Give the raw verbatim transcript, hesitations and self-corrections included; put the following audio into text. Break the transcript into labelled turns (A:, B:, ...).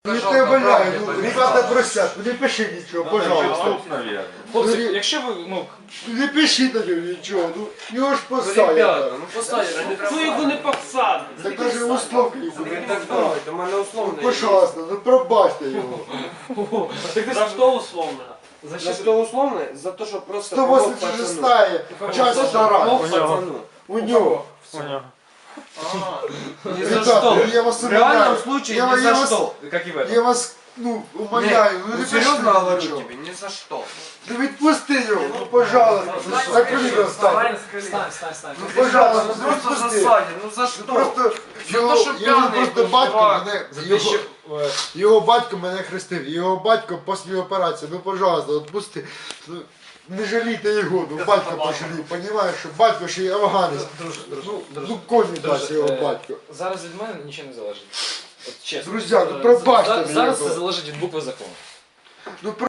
A: Я тебе валяю, ну, ребята просять, ну не пиши нічого, пожалуйста.
B: Хлопці, якщо ви, ну,
A: Не пиши на нього нічого, ну його ж
C: Ну,
A: посадять.
C: ребята, ну посадять.
D: Ну його не посадить.
A: Так даже условно
C: Ви
A: буде.
C: так думаєте, у мене
A: Ну,
C: условно.
A: пожалуйста, ну пробачте його.
D: За що условно?
C: За що условно? За те, що просто
A: сто
C: помог
A: восемьдесят
C: пацану.
A: шестая часть вторая.
C: Помог пацану.
A: У нього.
C: Ни за что.
A: Ребята, я вас
C: В реальном
A: умоляю.
C: случае
A: Я,
C: ни
A: я
C: за
A: вас,
C: что.
B: як і в этом.
A: я вас, ну, умоляю, ну
C: Ну
A: не
C: серьезно
A: пиши
C: говорю
A: нічого.
C: тебе, ни за что.
A: Ну відпусти його, ну пожалуйста, закрий його стань.
D: Стань, стань, стань.
A: Ну
C: Ребята,
A: пожалуйста,
C: ну просто
A: відпусти.
C: засадят, ну за
A: Ну,
C: что?
A: просто його,
C: що
A: його
C: п'яний
A: просто
C: був,
A: батько
C: чувак.
A: мене,
B: За те,
A: його,
B: що, е,
A: його батько мене хрестив, його батько після операції, ну пожалуйста, відпусти. Ну, не жалійте його, ну батько пожалій, розумієш, що батько ще й афганець.
B: друже, друже,
A: Ну,
B: друже,
A: ну коні дасть
B: друже,
A: його
B: е,
A: батько.
B: Зараз від мене нічого не залежить. От чесно.
A: Друзі, ну
B: Е,
A: пробачте
B: за-
A: мені
B: Зараз
A: його.
B: це залежить від букви закону.
A: Ну